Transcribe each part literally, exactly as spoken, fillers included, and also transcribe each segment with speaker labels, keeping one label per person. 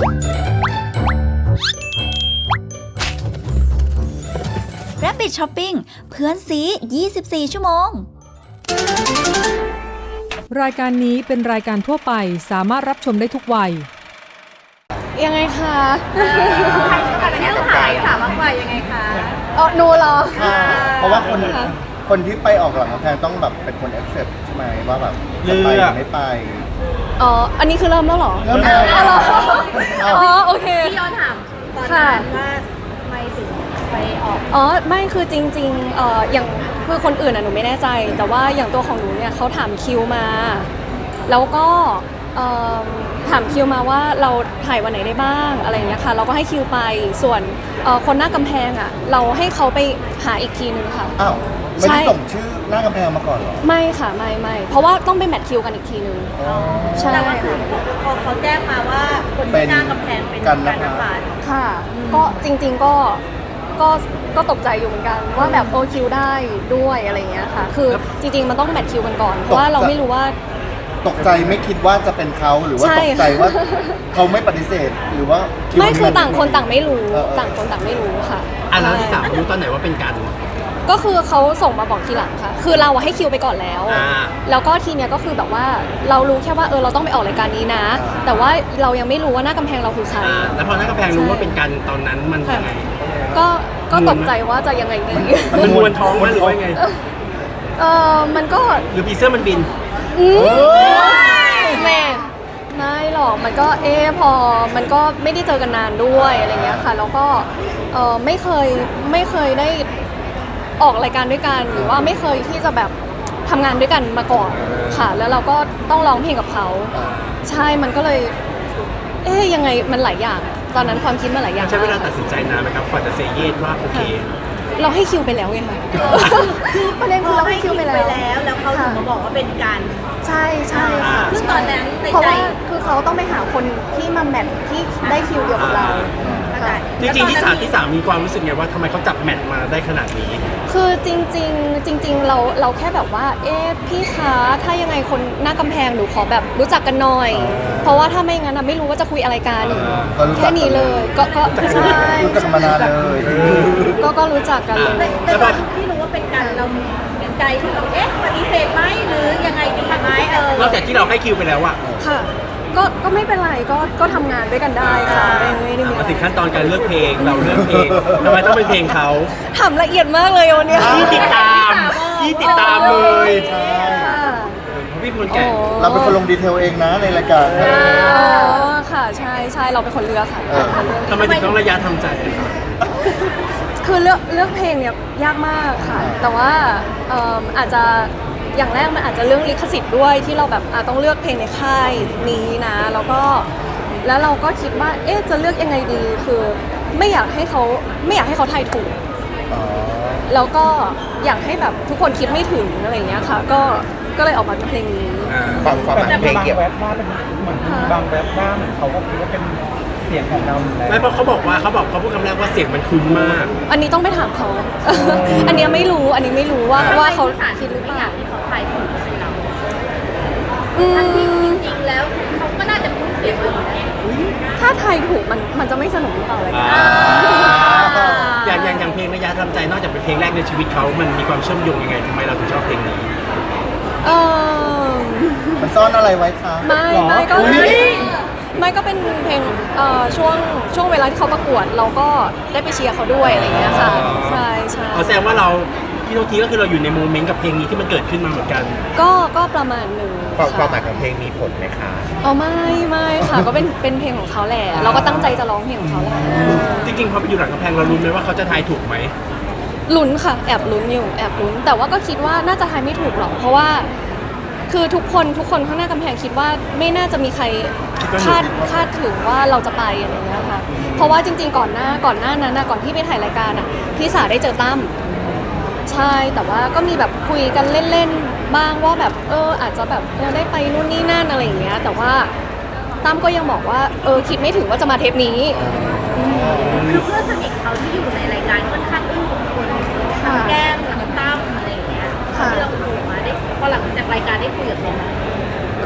Speaker 1: Rabbit Shopping เพื่อนซียี่สิบสี่ชั่วโมง
Speaker 2: รายการนี้เป็นรายการทั่วไปสามารถรับชมได้ทุกวัย
Speaker 3: ยังไงคะ
Speaker 4: ใครจะเป็นผู้ขายถามมากกว่ายังไงคะ
Speaker 3: อ๋อหนูเหรอ
Speaker 5: เพราะว่าคนคนที่ไปออกหลังกำแพงต้องแบบเป็นคน accept ใช่ไหมว่าแบบจะไปหรือไม่ไป
Speaker 3: อ๋ออันนี้คือเริ่มแล้วเหรอ
Speaker 5: เริ่มแล้ว
Speaker 3: อ๋อโอเค
Speaker 4: พี่ย้อนถามตอนนั้นว่าทำไมถึงไปออก
Speaker 3: อ๋อไม่คือจริงๆเอ่ออย่างคือคนอื่นอ่ะหนูไม่แน่ใจแต่ว่าอย่างตัวของหนูเนี่ยเขาถามคิวมาแล้วก็ถามคิวมาว่าเราถ่ายวันไหนได้บ้างอะไรอย่างเงี้ยค่ะเราก็ให้คิวไปส่วนคนหน้ากำแพงอ่ะเราให้เขาไปหาอีกทีนึงค่ะ
Speaker 5: อ้าวไม่ได้ส่งชื่อหน้ากำแพงมาก่อนหรอ
Speaker 3: ไม่ค่ะไม่ไม่เพราะว่าต้องไปแมทคิวกันอีกทีนึง
Speaker 4: ใช่ค่ะพอเขาแจ้งมาว่าคนที่หน้ากำแพงเป็นการนภา
Speaker 3: ค่ะก็จริงๆก็ก็ก็ตกใจอยู่เหมือนกันว่าแบบโอคิวได้ด้วยอะไรอย่างเงี้ยค่ะคือจริงๆมันต้องแมทคิวกันก่อนเพราะว่าเราไม่รู้ว่า
Speaker 5: ตกใจไม่คิดว่าจะเป็นเขาหรือว่าตกใจว่าเขาไม่ปฏิเสธหรือว่า
Speaker 3: ไม่คือต่างคนต่างไม่รู้ต่างคนต่างไม่รู้ค่ะ
Speaker 6: อ่ะแล้วที่สามรู้ตอนไหนว่าเป็นกัน
Speaker 3: ก็คือเขาส่งมาบอกทีหลังค่ะคือเราให้คิวไปก่อนแล้วแล้วก็ทีเนี้ยก็คือแบบว่าเรารู้แค่ว่าเออเราต้องไปออกรายการนี้นะแต่ว่าเรายังไม่รู้ว่าหน้ากำแพงเราคือใคร
Speaker 6: แล้วพอหน้ากำแพงรู้ว่าเป็นกันตอนนั้นมันยังไง
Speaker 3: ก็ก็ตกใจว่าจะยังไงดี
Speaker 6: มันมวนท้องมันหรือว่าไง
Speaker 3: เออมันก็
Speaker 6: หรือผีเสื้อมันบิน
Speaker 3: แม่ไม่หรอกมันก็เออพอมันก็ไม่ได้เจอกันนานด้วยอะไรเงี้ยค่ะแล้วก็เออไม่เคยไม่เคยได้ออกรายการด้วยกันหรือว่าไม่เคยที่จะแบบทำงานด้วยกันมาก่อนค่ะแล้วเราก็ต้องร้องเพลงกับเขาใช่มันก็เลยเอ๊ยยังไงมันหลายอย่างตอนนั้นความคิดมันหลายอย่าง
Speaker 6: ใช้เวลาตัดสินใจนานไหมครับกว่าจะเซเยสว่าโอเค
Speaker 3: เราให้คิวไปแล้วไงคะคือประเด็นคือเราให้คิวไปแล้ว
Speaker 4: แล้วเขาถึงมาบอกว่าเป็นการ
Speaker 3: ใช่ใช่ค่ะ
Speaker 4: ซึ่งตอนนั้น
Speaker 3: เพราะว่าคือเขาต้องไปหาคนที่มาแมทที่ได้คิวเดียวกับเรา
Speaker 6: จริงๆที่สามที่สามมีความรู้สึกไงว่าทำไมเขาจับแมทมาได้ขนาดนี้
Speaker 3: คือจริงๆจริงๆเราเราแค่แบบว่าเอ๊ะพี่คะถ้ายังไงคนหน้ากำแพงหนูขอแบบรู้จักกันหน่อยเพราะว่าถ้าไม่งั้นนะไม่รู้ว่าจะคุยอะไรกันแค่นี้เลยก็ก็ใช่
Speaker 5: รู้จักมานานเลย
Speaker 3: ก็ก็รู้จักกันเลย
Speaker 4: แต่ตอนที่รู้ว่าเป็นกันเราเป็นใจที่เราเอ๊ะปฏิเสธไหมหรือยังไงดีไหมเออน
Speaker 6: อกจากที่เราให้คิวไปแล้วอะ
Speaker 3: ค่ะก็ก็ไม่เป็นไรก็ก็ทำงานด้วยกันได้ค่ะไม่ไม่ได้มี
Speaker 6: มาถึงขั้นตอนการเลือกเพลงเราเลือกเพลงทำไมต้องเป็นเพลงเขา
Speaker 3: ทำละเอียดมากเลยวันนี้
Speaker 6: ที่ติดตามที่ติดตามเลย
Speaker 5: ใช่
Speaker 6: พี่คนแก่
Speaker 5: เราเป็นคนลงดีเทลเองนะในรายการ
Speaker 3: อ๋อค่ะใช่ใช่เราเป็นคนเลือกค่ะ
Speaker 6: ทำไมถึงต้องระยะทำใจ
Speaker 3: คือเลือกเลือกเพลงเนี่ยยากมากค่ะแต่ว่าอาจจะอย่างแรกมันอาจจะเรื่องลิขสิทธิ์ด้วยที่เราแบบต้องเลือกเพลงในค่ายนี้นะแล้วก็แล้วเราก็คิดว่าเอ๊ะจะเลือกยังไงดีคือไม่อยากให้เขาไม่อยากให้เขาทายถูกแล้วก็อยากให้แบบทุกคนคิดไม่ถึงอะไรอย่างเงี้ยค่ะก็ก็เลยออกมาเป็นเพลงนี้
Speaker 5: บางความหมายเพลงเกี่ยว
Speaker 7: กับว่าเป็นเหมือนบางแรปว่าเหมือนเขาก็คิดว่าเป็นเสียงของเรา
Speaker 6: ไม่เพราะเขาบอกว่าเขาบอกเขาพูดคำแรกว่าเสียงมันคุ้นมาก
Speaker 3: อันนี้ต้องไปถามเขาอันนี้ไม่รู้อันนี้ไม่รู้ว่าว่าเขาคิดหรือเปล่า
Speaker 4: เขาทายถูกใช่เราทั้งที่จริงๆแล้วเขาก็น่าจะคุ้นเสียงเราอยู่แล้ว
Speaker 3: ถ้าทายถูกมันมันจะไม่สนุกหรือเปล่าอะไร
Speaker 6: อย่างอย่างอย่างเพลงระยะทำใจนอกจากเป็นเพลงแรกในชีวิตเขามันมีความเชื่อมโยงยังไงทำไมเราถึงชอบเพลงนี้
Speaker 3: เออ
Speaker 5: มันซ่อนอะไรไว้คะ
Speaker 3: ไม่ไม่ก็ไม่ก็เป็นเพลงช่วงช่วงเวลาที่เขาประกวดเราก็ได้ไปเชียร์เขาด้วยอะไรอย่างเงี้ยค่ะใช่ใช่
Speaker 6: แสดงว่าเราพี่โนทีก็คือเราอยู่ในโมเมนต์กับเพลงนี้ที่มันเกิดขึ้นมาเหมือนกัน
Speaker 3: ก็ก็ประมาณหนึ่ง
Speaker 5: ความหมายของเพลงมีผลไหมคะ
Speaker 3: อ๋อไม่ไม่ค่ะก็เป็นเป็นเพลงของเขาแหละเราก็ตั้งใจจะร้องเพลงของเขาแหละ
Speaker 6: จริงๆพอไปอยู่หลังกำแพงเราลุ้นไหมว่าเขาจะทายถูกไหม
Speaker 3: ลุ้นค่ะแอบลุ้นอยู่แอบลุ้นแต่ว่าก็คิดว่าน่าจะทายไม่ถูกหรอกเพราะว่าคือทุกคนทุกคนข้างหน้ากำแพงคิดว่าไม่น่าจะมีใครคาดคาดถึงว่าเราจะไปอะไรอย่างเงี้ยค่ะเพราะว่าจริงๆก่อนหน้าก่อนหน้านั้นนะก่อนที่ไปถ่ายรายการอ่ะพี่สาได้เจอตั้มใช่แต่ว่าก็มีแบบคุยกันเล่นๆบ้างว่าแบบเอออาจจะแบบเราได้ไปนู่นนี่นั่นอะไรอย่างเงี้ยแต่ว่าตั้มก็ยังบอกว่าเออคิดไม่ถึงว่าจะมาเทปนี้
Speaker 4: คือเพื่อนสนิทเขาที่อยู่ในรายการค่อนข้างอึ้งกับคนแก้มกับตั้มอะไรอย่างเงี้ยที่เราคุยมาได้พอหลังจากรายการได้คุยกับเขา
Speaker 3: ก็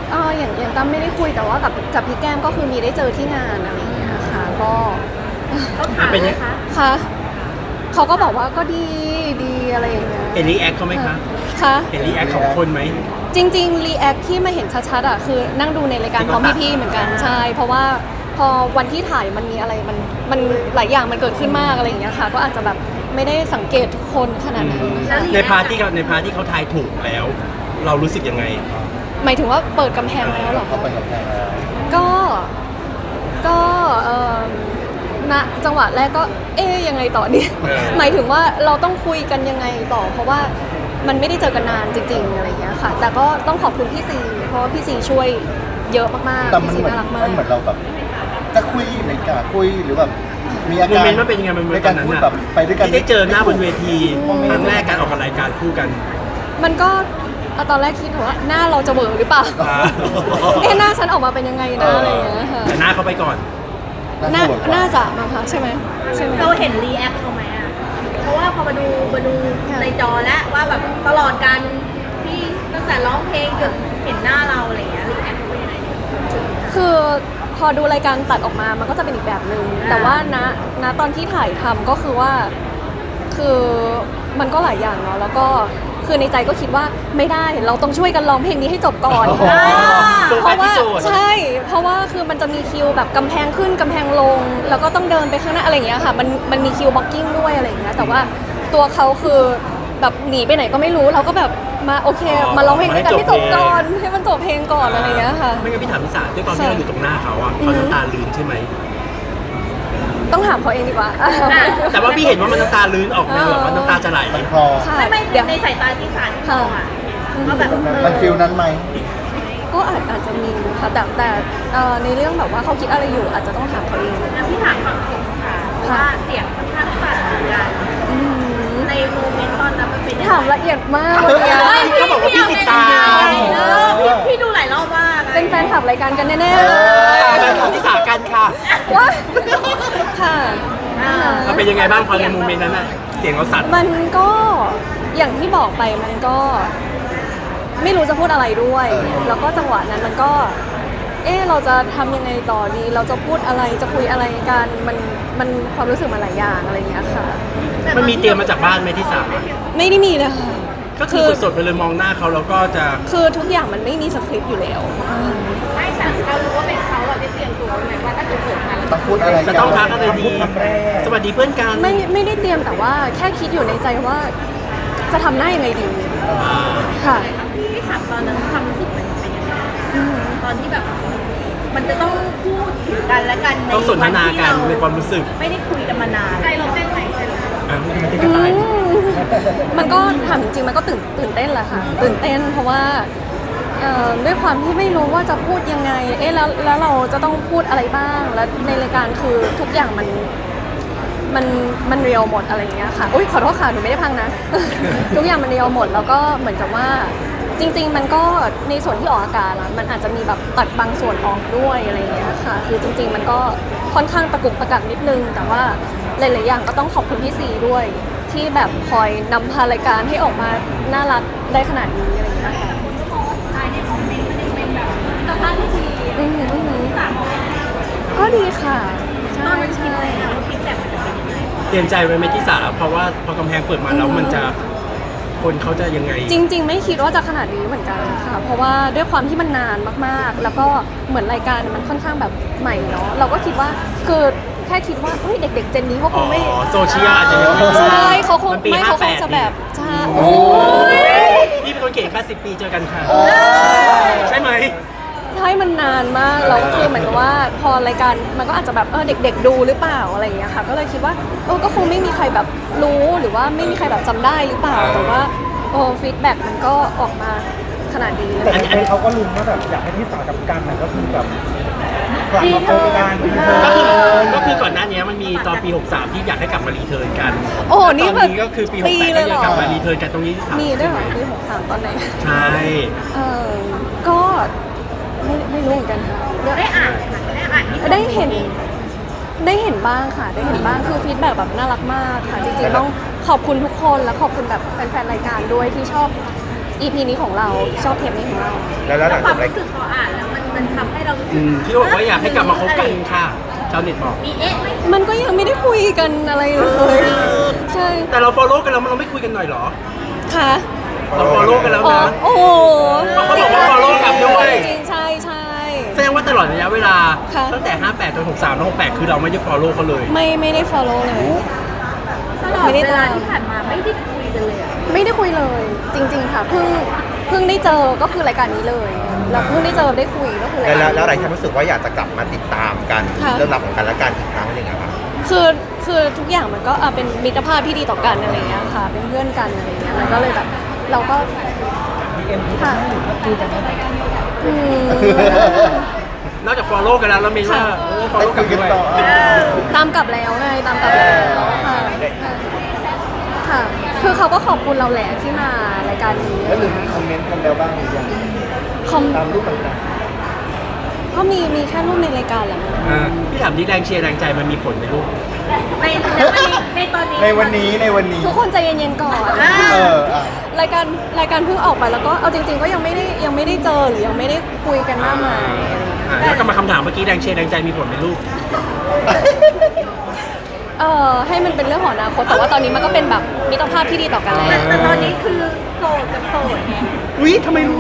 Speaker 3: เอออย่างอย่างตั้มไม่ได้คุยแต่ว่ากับกับพี่แก้มก็คือมีได้เจอที่งานอะไรอย่างเงี้ยค่ะก็
Speaker 4: เขาถามไหมคะ
Speaker 3: ค่ะเขาก็บอกว่าก็ดีดีอะไรอย่างเงี้ย
Speaker 6: เห็นรีแอคเขาไหมคะ
Speaker 3: ค่ะ
Speaker 6: เห็นรีแอคของคนไหม
Speaker 3: จริงๆรีแอคที่มาเห็นชัดๆอ่ะคือนั่งดูในรายการพร้อมพี่ๆเหมือนกันใช่เพราะว่าพอวันที่ถ่ายมันมีอะไรมันมันหลายอย่างมันเกิดขึ้นมากอะไรอย่างเงี้ยค่ะก็อาจจะแบบไม่ได้สังเกตทุกคนขนาดนั้นนะคะ
Speaker 6: ในพาร์ทที่เขาในพาร์ทที่เขาทายถูกแล้ว เรารู้สึกยังไง
Speaker 3: หมายถึงว่าเปิดกำแพงแล้วเหรอ
Speaker 5: เขา
Speaker 3: คะ
Speaker 5: ไปกับแพงแล้ว
Speaker 3: ก็ก็เอ่อณจังหวะแรกก็เอ๊ยยังไงต่อเนี่ย
Speaker 6: เออ
Speaker 3: หมายถึงว่าเราต้องคุยกันยังไงต่อ เพราะว่ามันไม่ได้เจอกันนานจริงๆอะไรอย่างเงี้ยค่ะ แต่ก็ต้องขอบคุณพี่ซีเพราะว่าพี่ซีช่วยเยอะมาก
Speaker 5: แต่
Speaker 3: ๆ
Speaker 5: มัน
Speaker 3: พี่ซี
Speaker 5: เหมือน
Speaker 3: น่ารักมา
Speaker 5: มั
Speaker 3: ก
Speaker 5: นเหมือนเราแบบจะคุยในการคุยหรือแบบมีอา
Speaker 6: โม
Speaker 5: การ
Speaker 6: เมนต์มันเป็นยังไงมัน
Speaker 5: ใน
Speaker 6: เป็นต
Speaker 5: กา
Speaker 6: อ
Speaker 5: ร
Speaker 6: นนั้น
Speaker 5: พูด
Speaker 6: อะ
Speaker 5: แบบไปด้วยกัน
Speaker 6: ที่ได้เจอหน้าบนเวที
Speaker 3: อืม
Speaker 6: ครั้งแรกการออกรายการคู่กัน
Speaker 3: มันก็เอาตอนแรกคิดว่าหน้าเราจะเบอหรือเปล่า
Speaker 6: อ่า
Speaker 3: เอ๊ะหน้าฉันออกมาเป็นยังไงนะอะไรอย่างเงี้ยค่ะ
Speaker 6: แต่หน้าเขาไปก่อน
Speaker 3: น่า
Speaker 5: สวยกว่
Speaker 3: น่าจะมั้งคะใช่ไหมใช่ไหม
Speaker 4: เราเห็นรีแอคเขาไหมอ่ะ เพราะว่าพอมาดูมาดูในจอแล้วว่าแบบตลอดการที่ตั้งแต่ร้องเพลงจนเห็นหน้าเราอะไรอย่างเงี้ยรีแอคเขาเป็นยังไง
Speaker 3: คือพอดูรายการตัดออกมามันก็จะเป็นอีกแบบหนึ่งแต่ว่าณณตอนที่ถ่ายทำก็คือว่าคือมันก็หลายอย่างเนาะแล้วก็คือในใจก็คิดว่าไม่ได้เราต้องช่วยกันร้องเพลงนี้ให้จบก่อน
Speaker 6: โฟ
Speaker 3: เพ
Speaker 6: กัส
Speaker 3: ราะว่า
Speaker 6: ที่โจทย์
Speaker 3: ใช่ เพราะว่าคือมันจะมีคิวแบบกำแพงขึ้นกำแพงลง แล้วก็ต้องเดินไปข้างหน้าอะไรอย่างเงี้ยค่ะมันมันมีคิวบล็อกกิ้งด้วยอะไรอย่างเงี้ยแต่ว่าตัวเขาคือแบบหนีไปไหนก็ไม่รู้เราก็แบบมาโอเค มาร้องเพลงด้วยกันให้จบก่อนให้มันจบเพลงก่อนอะไรอย่างเงี้ยค่ะ
Speaker 6: ไม่งั้นพี่ถามพี่สาด้วยตอนที่เราอยู่ตรงหน้าเขาอะเขาน้ำตาลื้นใช่ไหม
Speaker 3: ต้องถามเขาเองดีกว่า
Speaker 6: แต่ว่าพี่เห็นว่ามันน้ำตาลื้นออกแนวแบบว่าน้ำตาจะไหล
Speaker 5: มันคลอ
Speaker 3: ค่ะ
Speaker 4: ไม่ไม่
Speaker 3: เดี๋ยว
Speaker 4: ในสายตาที่สารที่มองอ่ะก็แบบ
Speaker 5: มันฟิลนั้นไหม
Speaker 3: ก็อาจอาจจะมีค่ะแต่แต่เอ่อในเรื่องแบบว่าเขาคิดอะไรอยู่อาจจะต้องถามเขาเอง
Speaker 4: นะพี่ถามฝั่งเสียงค่ะว่าเสียงค่อนข้างสั่นเหมือนกัน
Speaker 3: อืม
Speaker 4: ในโมเมนต์ตอนนั้นมันเป็นยังไง
Speaker 3: ถามละเอียดมากวันเนี้ย
Speaker 6: เขาบอกว่าพี่ติดตาม
Speaker 4: เออพี่พี่ดูหลายรอบมาก
Speaker 3: เป็นแฟนขับรายการกันแน่ๆเลย
Speaker 6: แฟนคลับที่สากันค่ะ
Speaker 3: ว้าค่ะ
Speaker 6: มันเป็นยังไงบ้างพอในโมเมนต์นั้นอะเสียงเราสั่น
Speaker 3: มันก็อย่างที่บอกไปมันก็ไม่รู้จะพูดอะไรด้วย แล้วก็จังหวะนั้นมันก็ เอ๊ะเราจะทำยังไงต่อดี เราจะพูดอะไรจะคุยอะไรกันมันมันความรู้สึกมันหลายอย่างอะไรอย่างเงี้ยค่ะ
Speaker 6: มันมีเตรียมมาจากบ้านไหมที่สา
Speaker 3: ไม่ได้มีเลยค่ะ
Speaker 6: ก็คือสดๆไปเลยมองหน้าเขาแล้วก็จะ
Speaker 3: คือทุกอย่างมันไม่มีสคริปต์อยู่แล้ว
Speaker 4: ไม่แต่เรารู้ว่าเป็นเขาเราได้เตรียมตัวไว้ไหมว่าถ้าเกิดเกิดมาแล้ว
Speaker 5: ต้องพูดอะไร
Speaker 6: จะ
Speaker 5: กัน
Speaker 6: ต้องทักอะไรดี สวัสดีเพื่อนกัน
Speaker 3: ไม่ไม่ได้เตรียมแต่ว่าแค่คิดอยู่ในใจว่า จะทำหน้ายังไงดีค่ะ
Speaker 4: พี่ถามตอนนั้นความรู้สึกมันเป็นยังไงตอนที่แบบ มันจะต้องพูดถึงกันและกันใน
Speaker 6: ต้องสนทนากันในความรู้สึก
Speaker 4: ไม่ได้คุยกันมานานใจเราเต้นไหมใจเราเต้น
Speaker 6: อ่ะมันจะกระต่าย
Speaker 3: อืมมันก็ถามจริงๆมันก็ตื่นตื่นเต้นแหละค่ะ ตื่นเต้นเพราะว่าเอ่อด้วยความที่ไม่รู้ว่าจะพูดยังไง เอ๊ะแล้วแล้วเราจะต้องพูดอะไรบ้าง แล้วในรายการคือทุกอย่างมันมันมันเรียวหมดอะไรอย่างเงี้ยค่ะอุ้ยขอโทษค่ะหนูไม่ได้พังนะ ทุกอย่างมันเรียวหมดแล้วก็เหมือนกับว่าจริง ๆ มันก็ในส่วนที่ออกอากาศอะมันอาจจะมีแบบตัดบางส่วนออกด้วยอะไรอย่างเงี้ยค่ะ คือจริง ๆ มันก็ค่อนข้างตะกุกตะกักนิดนึง แต่ว่าหลายๆอย่างก็ต้องขอบคุณพี่ซีด้วย ที่แบบคอยนำพารายการให้ออกมาน่ารักได้ขนาดนี้อะไรอย่างเงี้ยค่ะ
Speaker 4: ใช่ในคอมเมนต์มันยังเป็นแบบสภาพที่ดี
Speaker 3: อือหืออือหือ
Speaker 4: สาม
Speaker 3: ก็ดีค่ะ
Speaker 4: ต
Speaker 3: ใช่
Speaker 4: อนนั้นคิด
Speaker 3: ใช่
Speaker 4: เลยนะว่าฟีดแบ็กมันจะเป็นยังไง
Speaker 6: เตรียมใจไว้ไหมที่สาเพราะว่าพอกำแพงเปิดมาแล้วมันจะคนเขาจะยังไง
Speaker 3: จริง ๆ ไม่คิดว่าจะขนาดนี้เหมือนกันค่ะ เพราะว่าด้วยความที่มันนานมากๆ แล้วก็เหมือนรายการมันค่อนข้างแบบใหม่เนาะเราก็คิดว่าคือแค่คิดว่าเฮ้ยเด็ก ๆ เจนนี้เขาคงไม่
Speaker 6: อ๋อโซเชียลอาจจะยังไม่
Speaker 3: ใช่เขาคง
Speaker 6: มันปี
Speaker 3: ไม่เขาคง
Speaker 6: ห้าแปด
Speaker 3: จะแบบใช่
Speaker 6: โอ้
Speaker 3: โอ้ย
Speaker 6: พี่เป็นคนเก่งแค่สิบปีเจอกันค่ะ ใช่ไหม
Speaker 3: ใช่มันนานมากแล้วคือเหมือนกับว่าพอรายการมันก็อาจจะแบบเออเด็ก ๆ ดูหรือเปล่าอะไรอย่างเงี้ยค่ะ ก็เลยคิดว่าเออก็คงไม่มีใครแบบรู้หรือว่าไม่มีใครแบบจำได้หรือเปล่าแต่ว่าโอ้ฟีดแบ็กมันก็ออกมาขนาดนี้
Speaker 7: แต่ในใจเขาก็ลุ้นว่าแบบอยากให้ที่สากับกันน่ะก็คือแบบกลับมาพบกันรีเทิร์น
Speaker 6: ก็คือก็คือก่อนหน้านี้มันมีตอนปี หกสาม ที่อยากให้กลับมารีเทิร์นกัน
Speaker 3: โอ้โหนี่
Speaker 6: ตอนนี้ก็คือปี หกแปด
Speaker 3: เล
Speaker 6: ก็
Speaker 3: ยเหร
Speaker 6: ยั
Speaker 3: อง
Speaker 6: กลับมารีเทิร์นกันตรงนี้ที่สาม
Speaker 3: มีด้วยเหรอปีหกสามตอนไหน
Speaker 6: ใช่
Speaker 3: เออก็ไม่ไม่รู้เหมือนกันค่ะ
Speaker 4: ได้อ่านไหมคะได้อ่านที่
Speaker 3: ได้เห็นได้เห็นบ้างค่ะ ได้เห็นบ้างคือฟีดแบ็กแบบน่ารักมากค่ะ จริงๆต้องขอบคุณทุกคนและขอบคุณแบบแฟนๆรายการด้วยที่ชอบอี พี นี้ของเราชอบเทปนี้ของเรา
Speaker 7: แล้วแล้วหลัง
Speaker 4: ควา
Speaker 7: จาม กอะไร
Speaker 4: รู้สึกพออ่านแล้วมันมันทำให้เรารู้สึ
Speaker 6: อื
Speaker 4: ก
Speaker 6: มที่บอกว่าอยากให้กลับมาคบกันค่ะชาวเน็ตบอก
Speaker 4: มีเอ๊ะไหม
Speaker 3: มันก็ยังไม่ได้คุยกันอะไรเลยใช่
Speaker 6: แต่เรา follow กันแล้วเราไม่คุยกันหน่อยเหรอ
Speaker 3: ค่ะ
Speaker 6: เรา follow กันแล้ว
Speaker 3: อ๋อ
Speaker 6: นะ
Speaker 3: โอ้โห
Speaker 6: เขาบอกว่า follow กลับด้วย
Speaker 3: จริงๆใช่ใช่
Speaker 6: แสดงว่าตลอดระยะเวลา
Speaker 3: ค่ะ
Speaker 6: ตั้งแต่ห้าแปดจนหกสามแล้วหกแปดคือเราไม่ได้ follow เขาเลย
Speaker 3: ไม่ไม่ได้ follow เลย
Speaker 4: ตลอดเวลาที่ผ่านมาไม่ได้คุยกันเลยอะ
Speaker 3: ไม่ได้คุยเลยจริง ๆ ค่ะเพิ่งเพิ่งได้เจอก็คือรายการนี้เลยแล้วเพิ่งได้เจอได้คุยก็คือราย
Speaker 7: แล้ว
Speaker 3: การ
Speaker 7: แล้วแล้วอะไร
Speaker 3: นี้
Speaker 7: ที่รู้สึกว่าอยากจะกลับมาติดตามกัน
Speaker 3: ค่ะ
Speaker 7: เรื่องราวของกันและกันอีกครั้งหนึ่งอะครับ
Speaker 3: คือคือทุกอย่างมันก็อ่ะเป็นมิตรภาพที่ดีต่อกันอะไรอย่างเงี้ยค่ะ เป็นเพื่อนกันอะไรอย่างเงี้ยมันก็เลยแบบเราก็ค่ะอืม
Speaker 6: นอกจาก follow กันแล้วเรามีว่าเออ
Speaker 5: ได้
Speaker 6: follow
Speaker 5: คุ
Speaker 6: กั
Speaker 5: ย
Speaker 6: น
Speaker 5: กัน
Speaker 6: ด้วย
Speaker 5: ต่อ
Speaker 3: ตามกลับแล้วไงตามกลับแล้วค่ะค่ะค่ะ คือเขาก็ขอบคุณเราแหละที่มารายการนี้
Speaker 5: แล้วหรือมีคอมเมนต์กันแล้วบ้างหรือยัง
Speaker 3: คอม
Speaker 5: ตามรูปต่าง
Speaker 3: ก็มีมีแค่รูปในรายการแหละ
Speaker 6: อ่าพี่ถามนี่แรงเชียร์แรงใจมันมีผลไหมลูก
Speaker 4: ในในวันนี้ในตอนนี้
Speaker 5: ๆในวันนี้ในวันนี้
Speaker 3: ทุกคนใจเย็นๆก่อน
Speaker 5: เอออ่ะ
Speaker 3: รายการรายการเพิ่งออกไปแล้วก็เอาจริง ๆ ก็ยังไม่ได้ยังไม่ได้เจอหรือยังไม่ได้คุยกันมากมายอะไรอย่างเงี้ย
Speaker 6: อ่าแล้วก็มาคำถามเมื่อกี้แรงเชียร์แรงใจมีผลไหมลูก
Speaker 3: เออให้มันเป็นเรื่องของอนาคตแต่ว่าตอนนี้มันก็เป็นแบบมิตรภาพที่ดีต่อกันแล้ว
Speaker 4: แต่ตอนนี้คือโสดกับโสดไง
Speaker 6: อุ้ยทำไมรู้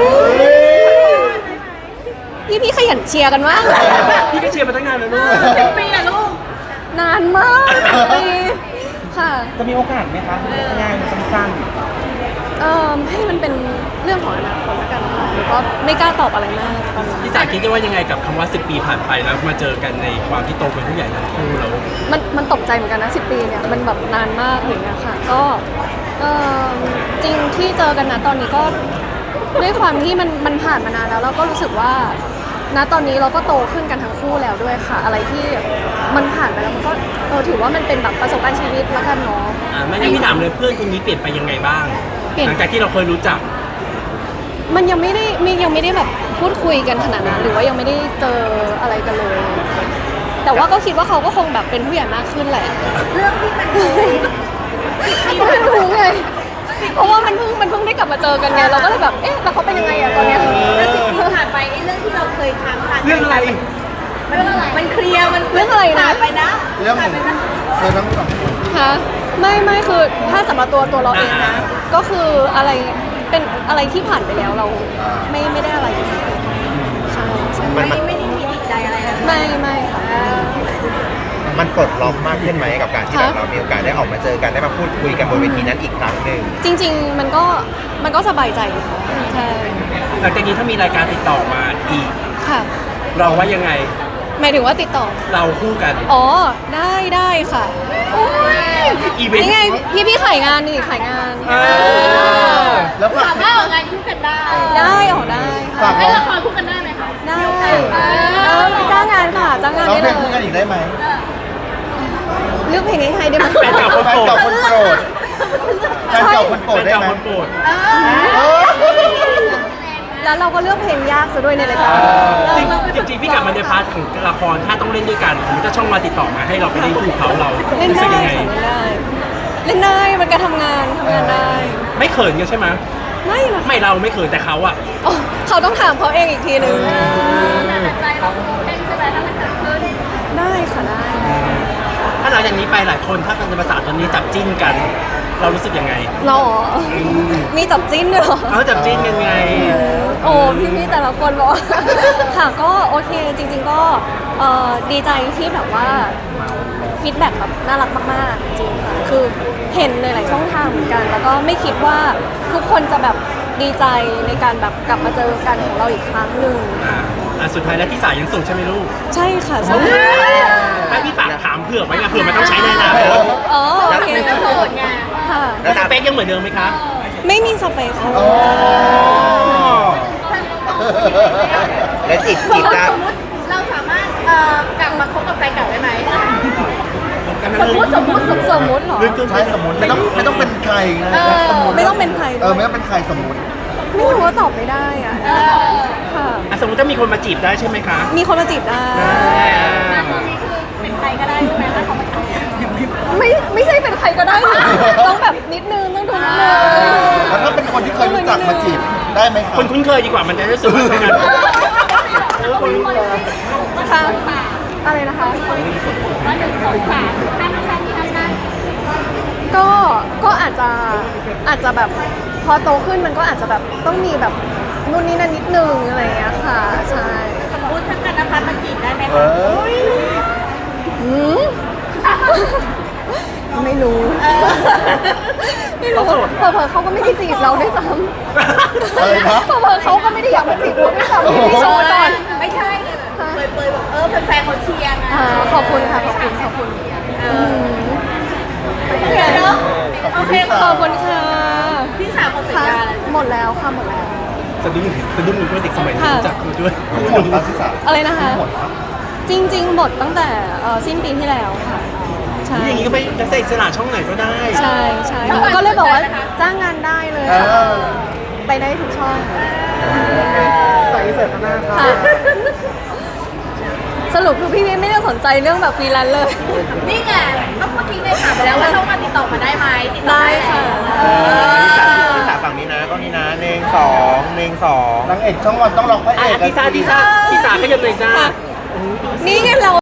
Speaker 3: พี่พี่ขยันเชียร์กันมาก
Speaker 6: พี่ก็เชียร์มาตั้งนานแล้วลูก
Speaker 4: สิบปีอะลูก
Speaker 3: นานมากปีค่ะ
Speaker 7: จะมีโอกาสไหมคะง่ายๆสั้น
Speaker 3: เออให้มันเป็นเรื่องของอนาคตแล้วกันค่ะหรือว่าไม่กล้าตอบอะไรมากตอนนี้
Speaker 6: พี่สาคิดว่ายังไงกับคำว่าสิบปีผ่านไปแล้วมาเจอกันในความที่โตเป็นผู้ใหญ่ทั้งคู่แล้ว
Speaker 3: มันมันตกใจเหมือนกันนะสิบปีเนี่ยมันแบบนานมากอย่างเงี้ยค่ะก็เออจริงที่เจอกันนะตอนนี้ก็ด้วยความที่มันมันผ่านมานานแล้วเราก็รู้สึกว่าณตอนนี้เราก็โตขึ้นกันทั้งคู่แล้วด้วยค่ะ อะไรที่มันผ่านไปแล้วมันก็เออถือว่ามันเป็นแบบประสบการณ์ชีวิตแล้วกันเนาะ
Speaker 6: อ่าไม่งั้นพี่ถามเลยเพื่อนคนนี้เปลี่ยนไปยังไงบ้าง
Speaker 3: เปลี่ยน
Speaker 6: หลังจากที่เราเคยรู้จัก
Speaker 3: มันยังไม่ได้มียังไม่ได้แบบพูดคุยกันขนาดนั้นหรือว่ายังไม่ได้เจออะไรกันเลย แต่ว่าก็คิดว่าเขาก็คงแบบเป็นผู้ใหญ่มากขึ้นแหละ
Speaker 4: เรื่องที่มัน
Speaker 3: ก็ไม่รู้ไงเพราะว่ามันเพิ่งมันเพิ่งได้กลับมาเจอกันไงเราก็เลยแบบเอ๊ะแล้วเขาเป็นยังไงอะตอนเนี้ย
Speaker 4: แล้วสิบปีผ่านไปไอ้เรื่องที่เราเคยค้างคาใจ
Speaker 6: เรื่องอะไร
Speaker 4: มันมันเคลียร์มัน
Speaker 3: เรื่องอะไรนะ
Speaker 4: ผ่านไปนะ
Speaker 5: เรื่องข
Speaker 4: ผ่า
Speaker 5: อน ง
Speaker 4: ไปนะ
Speaker 5: เธอทั้งสองคน
Speaker 3: คะไม่ไม่คือถ้าสำหรับตัวตัวเราเองนะ ก็คืออะไรเป็นอะไรที่ผ่านไปแล้วเราไม่ไม่ได้อะไรใช่ใช่
Speaker 4: ไม่ไม่ได้มีติดใจอะไรนะ
Speaker 3: ไม่ไม่ค่ะ
Speaker 7: ๆมันปลดล็อกมากขึ้นไหมกับการที่แบบ
Speaker 3: ค่ะ
Speaker 7: เรามีโอกาสได้ออกมาเจอกันได้มาพูดคุยกันบนเวทีนั้นอีกครั้งหนึ่ง
Speaker 3: จริง ๆ มันก็มันก็สบายใจนะคะใช่
Speaker 6: หลังจากนี้ถ้ามีรายการติดต่อมาอีก
Speaker 3: ค่ะ
Speaker 6: เราว่ายังไง
Speaker 3: หมายถึงว่าติดต่อ
Speaker 6: เราคู่กัน
Speaker 3: อ๋อได้ได้ค่ะโอ้ย
Speaker 6: อีเวนต์
Speaker 3: นี่ไงพี่พี่ขายงานนี่ขายงาน
Speaker 6: เออ
Speaker 5: แล้วฝาก
Speaker 4: สามารถออกงานคู่กันได้
Speaker 3: ได้ออกได้ค่ะ
Speaker 5: ฝาก
Speaker 4: ให้
Speaker 5: ร้อง
Speaker 4: ละครคู่กันได้ไหมคะ
Speaker 3: ได้เออจ้างงานค่ะจ้างงาน
Speaker 5: ร้อง
Speaker 3: ได้
Speaker 5: เพล
Speaker 3: เล
Speaker 5: งคู่กัน
Speaker 3: ย
Speaker 5: อีกได้ไหม
Speaker 3: เลือกเพลงให้ใครได้ไหม
Speaker 6: แฟนเก่าคน
Speaker 5: แฟน
Speaker 6: โปร
Speaker 5: เก่า
Speaker 6: ด
Speaker 5: คนโปรดแฟนเก่าคนโปร
Speaker 6: แฟ
Speaker 5: ด
Speaker 6: น
Speaker 5: ได้
Speaker 6: เก่า
Speaker 5: ไหม
Speaker 6: คนโปรด
Speaker 5: เออ
Speaker 3: แล้วเราก็เลือกเพลงยากซะด้วยในรายการ
Speaker 6: จริงจริงๆพี่กลับมาในพาร์ทของละครถ้าต้องเล่นด้วยกันสมมติถ้าช่องมาติดต่อมาให้เราไปเล่นคู่เขาเรา
Speaker 3: เล่น
Speaker 6: รู้สึ
Speaker 3: ได้
Speaker 6: กยังไง
Speaker 3: ค่ะเล่นได้เล่นได้มันการทำงานทำงานได้
Speaker 6: ไม่เขินกันใช่ไหม
Speaker 3: ไม่นะ
Speaker 6: ไม่เราไม่เขินแต่เขาอะ
Speaker 3: อ๋อเขาต้องถามเขาเองอีกทีหนึ่ง
Speaker 4: แต่ใจเราเล่นใช่ไหมถ้ามันเกิดขึ้น
Speaker 3: ได้ค่ะได้
Speaker 6: ถ้าหลังจากนี้ไปหลายคนถ้าเป็นภาษาตอนนี้จับจิ้นกัน เรารู้สึกยังไง
Speaker 3: เราเหรอมีจับจิ้นด้วยเหรอ
Speaker 6: เอาจับจิ้นยังไง
Speaker 3: โอ้พี่ๆแต่ละคนบอก ค่ะก็โอเคจริง ๆก็เอ่อดีใจที่แบบว่าฟีดแบ็กแบบน่ารักมากๆจริงค่ะคือเห็นในหลายช่องทางเหมือนกัน แล้วก็ไม่คิดว่าทุกคนจะแบบดีใจในการแบบกลับมาเจอกันของเราอีกครั้งหนึ่ง
Speaker 6: อ่าอ่ะสุดท้ายแล้วพี่สายยังสูงใช่ไหมลูก
Speaker 3: ใช่ค่ะใช่
Speaker 6: ให้พี่ฝากถามเผื่อไว้ไงเผื่อมันต้องใช้ในอนาคต
Speaker 3: อ๋อโอเค
Speaker 4: แล้วโสดไง
Speaker 3: ค่ะ
Speaker 6: แล้วสเปคยังเหมือนเดิมไหมคะ
Speaker 3: ไม่มีสเปคค่ะ
Speaker 5: อ๋อ
Speaker 7: และจีบจีบได้
Speaker 4: สมมติเราสามารถเอ่อกลับมาคบกับแฟนเก่าได้ไหม
Speaker 6: กัน
Speaker 4: สมมติสมมติสมมติ
Speaker 3: สมมุติเหรอ
Speaker 5: ใช่สมมติไม่ต้องไม่ต้องเป็นใครนะ
Speaker 3: เออ
Speaker 5: สติ
Speaker 3: ไม่ต้องเป็นใครด้วย
Speaker 5: เออไม่ต้องเป็นใครสมมติ
Speaker 3: ไม่รู้ว่าตอบไม่ได้อ่ะค่ะ
Speaker 6: อ่ะสมมติถ้ามีคนมาจีบได้ใช่ไหมคะ
Speaker 3: มีคนมาจีบได้
Speaker 4: แล้วตอนนี้คือเป็นใครก็ได้ใช่ไหมถ้าเขามาจีบ
Speaker 3: ไม่ไม่ใช่เป็นใครก็ได้นะต้องแบบนิดนึงต้องดูนิดนึง
Speaker 5: แล้วถ้าเป็นคนที่เคยรู้จักมาได้ไหมครับ
Speaker 6: คนคุ้นเคยดีกว่ามันจะได้รู้สึกว่าเป็นงาน
Speaker 3: ค่ะอะไรนะคะก็ก็อาจจะอาจจะแบบพอโตขึ้นมันก็อาจจะแบบต้องมีแบบนู่นนี่นั่นนิดนึงอะไรอย่างเงี้ยค่ะใช่
Speaker 4: สมมติถ้ากันนภัสมาจีบได้ไหม
Speaker 5: เอ
Speaker 4: คะ
Speaker 5: อ
Speaker 3: อืม ไม่รู้
Speaker 4: เออ
Speaker 3: ไม่รู้เผลอๆเขาก็ไม่ได้จีบเราด้วยซ้ำ
Speaker 5: อะไรนะ
Speaker 3: เผลอๆเขาก็ไม่ได้อยากมาจีบเราด้วยซ้ำพี่โชว์ก่อน
Speaker 4: ไม่ใช่เลยแบบเปยๆแบบเออแฟนๆเขาเชียร์ไง
Speaker 3: อ่าขอบคุณค่ะขอบคุณขอบคุณ
Speaker 4: เออโอเคเนาะโอเค
Speaker 3: ขอบคุณค่ะ
Speaker 4: พี่สาวหมดสัญ
Speaker 3: ค่ะ
Speaker 4: ญาแล้ว
Speaker 3: หมดแล้วค่ะหมดแล้ว
Speaker 6: สะดุ้งสะดุ้งมีเพื่อนเด็กสมัยนี้รู้จักคือด้วย
Speaker 5: หมดแล้วที่สาม
Speaker 3: อะไรนะคะ
Speaker 5: หมดแล้ว
Speaker 3: จริงๆหมดตั้งแต่เอ่อสิ้นปีที่แล้วค่ะใช่
Speaker 6: อย่างนี้ก็ไปนักแสดงอิสระช่องไหนก็ได้
Speaker 3: ใช่ใช่ก็เลยบอกว่าจ้างงานได้เลย
Speaker 5: เอ
Speaker 3: ค่ะ
Speaker 5: อ
Speaker 3: ไปได้ทุกช่อง
Speaker 7: ใส่เสื้อข้างหน้าค่ะ
Speaker 3: ค่ะ สรุปคือพี่ไม่ได้สนใจเรื่องแบบฟรีแลนซ์เลย
Speaker 4: นี่ไงก็เมื่อกี้ได้ถามไปแล้วว่าช่องมาติดต่อมาได้ไหมติดต่อ
Speaker 3: ได้ค่ะ
Speaker 4: เออ
Speaker 7: ที่สามฝั่งนี้นะก็นี่นะหนึ่งสองหนึ่งสอง
Speaker 5: นางเอกช่องวันต้องรอพระเอ
Speaker 6: อ่ะ
Speaker 5: ก
Speaker 6: พี่สาพี่สาพี่สาขยับหน่อยจ้า
Speaker 3: นี่ไงเรา